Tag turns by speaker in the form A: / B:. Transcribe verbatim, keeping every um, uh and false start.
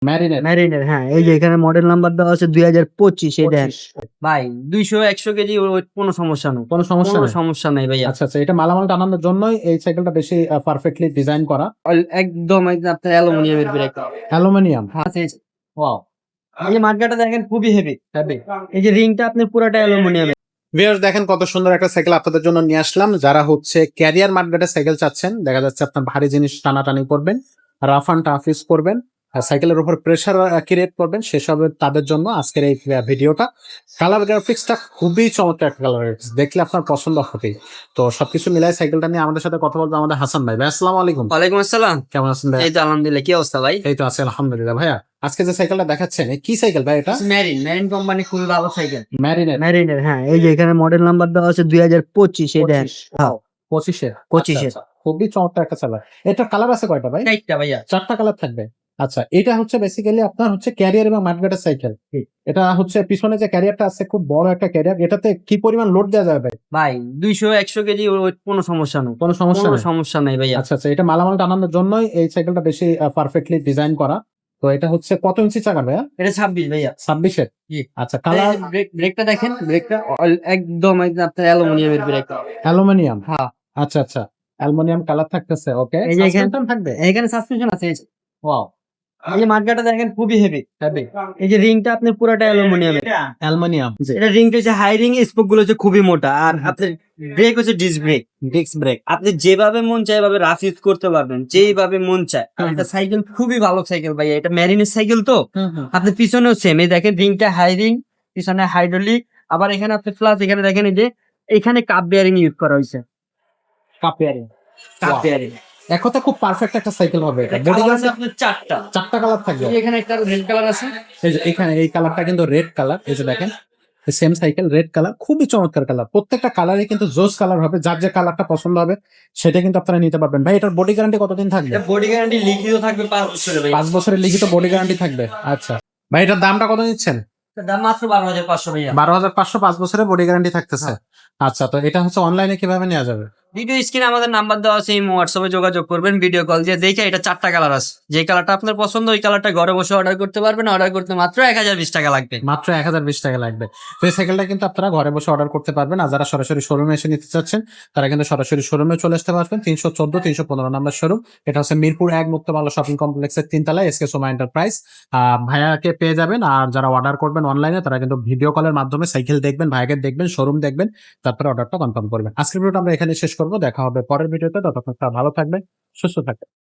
A: Marinate
B: ম্যারিনের, হ্যাঁ এই যে এখানে মডেল নাম্বার দেওয়া আছে দুই হাজার পঁচিশ। এই দেখেন
A: পঁচিশ।
B: ভাই, দুইশো একশো কেজি ওয়েট, কোনো সমস্যা নেই,
A: কোনো সমস্যা
B: কোনো
A: নেই।
B: সমস্যা নেই ভাইয়া।
A: আচ্ছা আচ্ছা, এটা মালামাল টানানোর জন্যই এই সাইকেলটা বেশি পারফেক্টলি ডিজাইন করা।
B: অল- একদম একদম আপনার অ্যালুমিনিয়ামের ব্রেক।
A: অ্যালুমিনিয়াম।
B: আছে।
A: ওয়াও,
B: এই যে মার্কাটা দেখেন খুবই হেভি।
A: হেভি।
B: এই যে রিংটা আপনার পুরোটা অ্যালুমিনিয়ামের।
A: ভিউয়ার্স দেখেন কত সুন্দর একটা সাইকেল আপনাদের জন্য নিয়ে আসলাম। যারা হচ্ছে ক্যারিয়ার মার্কেটের সাইকেল চাচ্ছেন, দেখা যাচ্ছে আপনার ভারী জিনিস টানাটানি করবেন, রাফ অ্যান্ড টাফ ইউজ করবেন, আর সাইকেলের উপর প্রেসার ক্রিয়েট করবেন, সেসবের তাদের জন্য আজকের এই ভিডিওটা। কালার গ্রাফিক্সটা খুবই চমৎকার একটা কালার গ্রাফিক্স, দেখলে আপনার পছন্দ হবেই। তো সবকিছু মিলাই সাইকেলটা নিয়ে আমাদের সাথে কথা বলবো আমাদের হাসান ভাই। ভাই আসসালামু আলাইকুম।
B: ওয়ালাইকুম আসসালাম।
A: কেমন আছেন ভাই?
B: এই তো আলহামদুলিল্লাহ, কি অবস্থা ভাই?
A: এই তো আছে আলহামদুলিল্লাহ। ভাইয়া আজকে যে সাইকেলটা দেখাচ্ছেন, এ কি সাইকেল ভাই এটা?
B: ম্যারিন, ম্যারিন কোম্পানি, খুবই ভালো সাইকেল।
A: ম্যারিনেট।
B: ম্যারিনের, হ্যাঁ এই যে এখানে মডেল নাম্বার দেওয়া আছে দুই হাজার পঁচিশ। এই দেখেন হ্যাঁ
A: পঁচিশের।
B: পঁচিশের।
A: খুবই চমৎকার একটা কালার। এটা কালার আছে কয়টা ভাই?
B: চারটা ভাইয়া।
A: চারটা কালার থাকবে। আচ্ছা, এটা হচ্ছে বেসিক্যালি আপনার হচ্ছে ক্যারিয়ার এবং মাডগার্ডের সাইকেল। এটা হচ্ছে পিছনে যে ক্যারিয়ারটা আছে খুব বড় একটা ক্যারিয়ার, এটাতে কি পরিমাণ লোড দেওয়া যাবে ভাই?
B: ভাই দুইশো একশো কেজি ওয়েট, কোনো সমস্যা নেই,
A: কোনো সমস্যা
B: কোনো
A: নেই।
B: সমস্যা নেই ভাইয়া।
A: আচ্ছা আচ্ছা, এটা মালামাল টানানোর জন্যই এই সাইকেলটা বেশি পারফেক্টলি ডিজাইন করা। তো এটা হচ্ছে কত ইঞ্চি চাকা ভাইয়া?
B: এটা ছাব্বিশ ভাইয়া।
A: ছাব্বিশের।
B: জি।
A: আচ্ছা, কালার
B: ব্রেক, ব্রেকটা দেখেন, ব্রেকটা অল- একদম একদম আপনার অ্যালুমিনিয়ামের ব্রেক।
A: অ্যালুমিনিয়াম।
B: হ্যাঁ।
A: আচ্ছা আচ্ছা, অ্যালুমিনিয়াম কালার থাকতেছে। ওকে,
B: এই যে এখানে
A: সাসপেনশন থাকবে।
B: এখানে সাসপেনশন আছে। এই যে
A: ওয়াও,
B: এই যে মার্কাটা দেখেন খুবই হেভি।
A: হেভি।
B: এই যে রিংটা আপনার পুরোটা অ্যালুমিনিয়ামের।
A: অ্যালুমিনিয়াম।
B: এটা রিংটা হচ্ছে হাই রিং, স্পোক গুলো হচ্ছে খুবই মোটা, আর আপনার ব্রেক হচ্ছে ডিস্ক ব্রেক।
A: Disc brake.
B: আপনি যেভাবে মন চায় এভাবে রাফ ইউজ করতে পারবেন, যেইভাবে মন চায়। আর
A: হুম।
B: এটা সাইকেল খুবই ভালো সাইকেল ভাইয়া, এটা ম্যারিনের সাইকেল তো।
A: হুম হুম।
B: আপনি পিছনেও সেম, এই দেখেন রিংটা হাই রিং, পিছনে হাইড্রোলিক, আবার এখানে আপনি প্লাস এখানে দেখেন এই যে এখানে কাপ বেয়ারিং ইউজ করা হয়েছে।
A: Cup bearing.
B: Cup
A: Wow.
B: Bearing.
A: এক কথা খুব পারফেক্ট একটা সাইকেল হবে এটা। বডি
B: কালার আছে
A: গার্ড
B: আপনার চারটা।
A: চারটা কালার থাকবে।
B: এই যে এখানে একটা রেড কালার আছে।
A: এই যে এখানে এই কালারটা কিন্তু রেড কালার। এই যে দেখেন সেম সাইকেল, রেড কালার, খুবই চমৎকার কালার। প্রত্যেকটা কালারই কিন্তু জোস কালার হবে। যার যে কালারটা পছন্দ হবে সেটা কিন্তু আপনারা নিতে পারবেন। ভাই এটার বডি গ্যারান্টি কতদিন থাকবে?
B: এটা বডি গ্যারান্টি লিখিত থাকবে পাঁচ বছরের ভাই।
A: পাঁচ বছরের লিখিত বডি গ্যারান্টি থাকবে। আচ্ছা ভাই, এটার দামটা কত নিচ্ছেন?
B: এটার দাম মাত্র বারো হাজার পাঁচশো ভাইয়া।
A: বারো হাজার পাঁচশো, পাঁচ বছরের বডি গ্যারান্টি থাকতেছে। আচ্ছা, তো এটা হচ্ছে অনলাইনে কিভাবে নেওয়া যাবে?
B: ভিডিও স্ক্রিনে আমাদের নাম্বার দেওয়া আছে, এই হোয়াটসঅ্যাপে যোগাযোগ করবেন, ভিডিও কল দিয়ে দেখে এটা চারটা কালার আছে, যে কালারটা আপনার পছন্দ ওই কালারটা ঘরে বসে অর্ডার করতে পারবেন। অর্ডার করতে মাত্র এক হাজার বিশ টাকা লাগবে।
A: মাত্র এক হাজার বিশ টাকা লাগবে। তো এই সাইকেলটা কিন্তু আপনারা ঘরে বসে অর্ডার করতে পারবেন। আর যারা সরাসরি শোরুমে এসে নিতে চাচ্ছেন তারা কিন্তু সরাসরি শোরুমে চলে আসতে পারবেন। তিনশো চোদ্দ তিনশো পনেরো নাম্বার শোরুম। এটা হচ্ছে মিরপুর এক মুক্তমালা শপিং কমপ্লেক্সের তিনতলায় এসকে সোমা এন্টারপ্রাইজ। আহ ভাইয়াকে পেয়ে যাবেন। আর যারা অর্ডার করবেন অনলাইনে তারা কিন্তু ভিডিও কলের মাধ্যমে সাইকেল দেখবেন, ভাইয়াকে দেখবেন, শোরুম দেখবেন, তারপরে অর্ডারটা কনফার্ম করবেন। আজকের ভিডিওটা আমরা এখানে শেষ করবো। দেখা হবে পরের ভিডিওতে। ততক্ষণ ভালো থাকবেন, সুস্থ থাকবেন।